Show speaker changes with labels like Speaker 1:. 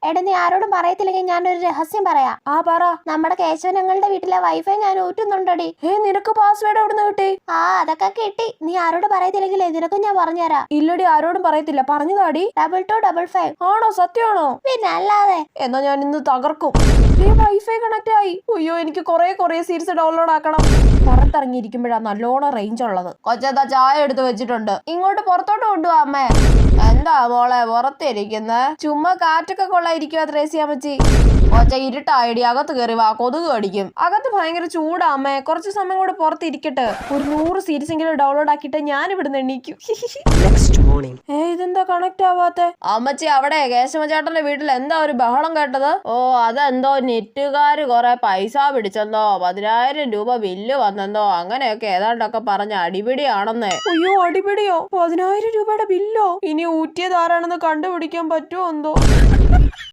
Speaker 1: എടാ നീ ആരോടും പറയത്തില്ലെങ്കിൽ ഞാനൊരു രഹസ്യം പറയാം.
Speaker 2: ആ പറ.
Speaker 1: നമ്മുടെ കേശവനങ്ങളുടെ വീട്ടിലെ വൈഫൈ ഞാൻ ഊറ്റുന്നുണ്ടടി.
Speaker 2: നിനക്ക് പാസ്വേഡ് എവിടുന്ന് കിട്ടി?
Speaker 1: അതൊക്കെ കിട്ടി. നീ ആരോട് പറയത്തില്ലെങ്കിലേ നിനക്കും ഞാൻ പറഞ്ഞുതരാം.
Speaker 2: ഇല്ലടി, ആരോടും പറയത്തില്ല. പറഞ്ഞതാടി.
Speaker 1: 2255.
Speaker 2: ആണോ? സത്യമാണോ?
Speaker 1: പിന്നെ അല്ലാതെ.
Speaker 2: എന്നാ ഞാൻ ഇന്ന് തകർക്കും. വൈഫൈ കണക്ട് ആയി. അയ്യോ, എനിക്ക് കൊറേ സീരീസ് ഡൗൺലോഡ് ആക്കണം. പുറത്തിറങ്ങിയിരിക്കുമ്പോഴാ നല്ലോണം റേഞ്ച് ഉള്ളത്. കൊച്ചെന്താ ചായ എടുത്ത് വെച്ചിട്ടുണ്ട്, ഇങ്ങോട്ട് പുറത്തോട്ട് കൊണ്ടുപോവാ അമ്മേ. എന്താ മോളെ പുറത്തിരിക്കുന്നെ? ചുമ്മാ കാറ്റൊക്കെ കൊള്ളായിരിക്കുവാ ത്രേസ്യാമ്മച്ചി. കൊച്ച ഇരുട്ടായിടി, അകത്ത് കയറി വാ, കൊതുക് കടിക്കും. അകത്ത് ഭയങ്കര ചൂടാ അമ്മേ, കുറച്ച് സമയം കൂടെ പുറത്തിരിക്കട്ടെ. ഒരു 100 സീരീസ് എങ്കിലും ഡൗൺലോഡ് ആക്കിയിട്ട് ഞാൻ ഇവിടുന്ന് എണീക്കും. ഇതെന്താ കണക്ട് ആവാത്തെ? അമ്മച്ചി, അവിടെ കേശവചേട്ടന്റെ വീട്ടിൽ എന്താ ഒരു ബഹളം കേട്ടത്? അതെന്തോ നെറ്റുകാര് കൊറേ പൈസ പിടിച്ചെന്നോ 10,000 രൂപ ബില്ല് വന്നെന്നോ അങ്ങനെയൊക്കെ ഏതാണ്ടൊക്കെ പറഞ്ഞ അടിപിടിയാണെന്നേ. അയ്യോ, അടിപിടിയോ? 10,000 രൂപയുടെ ബില്ലോ? ഇനി ഊറ്റിയത് ആരാണെന്ന് കണ്ടുപിടിക്കാൻ പറ്റുമോ എന്തോ.